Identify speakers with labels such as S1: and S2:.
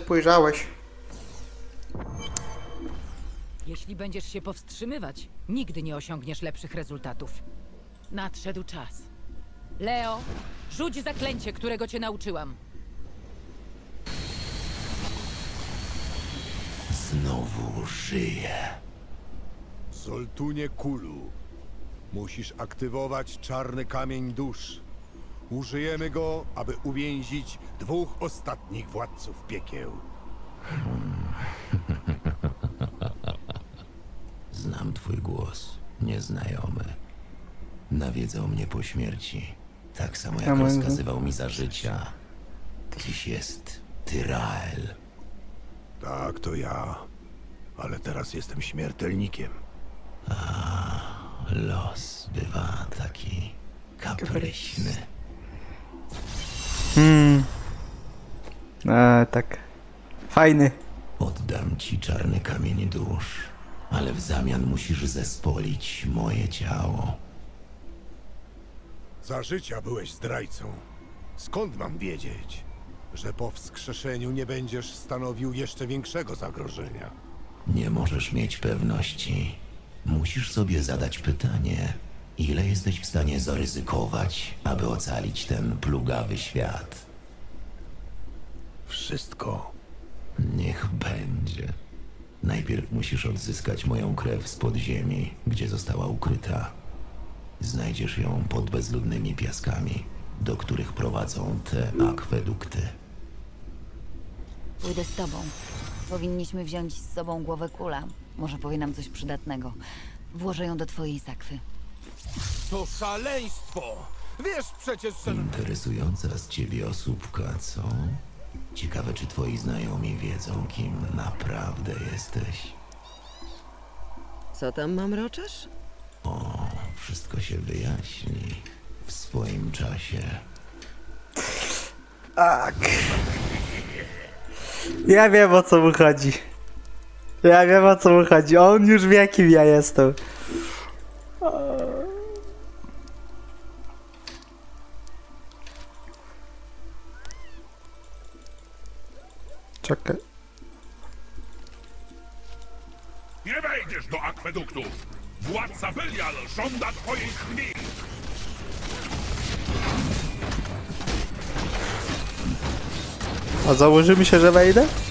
S1: spojrzałeś.
S2: Jeśli będziesz się powstrzymywać, nigdy nie osiągniesz lepszych rezultatów. Nadszedł czas. Leo, rzuć zaklęcie, którego cię nauczyłam.
S3: Znowu żyje.
S4: Zoltunie Kulu, musisz aktywować czarny kamień dusz. Użyjemy go, aby uwięzić 2 ostatnich władców piekieł.
S3: Znam twój głos, nieznajomy. Nawiedzał mnie po śmierci, tak samo jak rozkazywał mi za życia. Dziś jest Tyrael.
S4: Tak, to ja. Ale teraz jestem śmiertelnikiem.
S3: Los bywa taki kapryśny.
S1: Tak. Fajny.
S3: Oddam ci czarny kamień dusz, ale w zamian musisz zespolić moje ciało.
S4: Za życia byłeś zdrajcą. Skąd mam wiedzieć, że po wskrzeszeniu nie będziesz stanowił jeszcze większego zagrożenia?
S3: Nie możesz mieć pewności. Musisz sobie zadać pytanie, ile jesteś w stanie zaryzykować, aby ocalić ten plugawy świat.
S4: Wszystko.
S3: Niech będzie. Najpierw musisz odzyskać moją krew z podziemi, gdzie została ukryta. Znajdziesz ją pod bezludnymi piaskami, do których prowadzą te akwedukty.
S5: Pójdę z tobą. Powinniśmy wziąć z sobą głowę Kula. Może powie nam coś przydatnego. Włożę ją do twojej sakwy.
S4: To szaleństwo! Wiesz przecież, że...
S3: Interesująca z ciebie osóbka, co? Ciekawe, czy twoi znajomi wiedzą, kim naprawdę jesteś.
S6: Co tam mam roczesz?
S3: Wszystko się wyjaśni w swoim czasie.
S1: Tak. Ja wiem, o co mu chodzi. Ja wiem, o co mu chodzi. On już wie, kim ja jestem. Czekaj.
S7: Nie wejdziesz do akweduktów! Władca Belial żąda twojej krwi!
S1: A założymy się, że wejdę?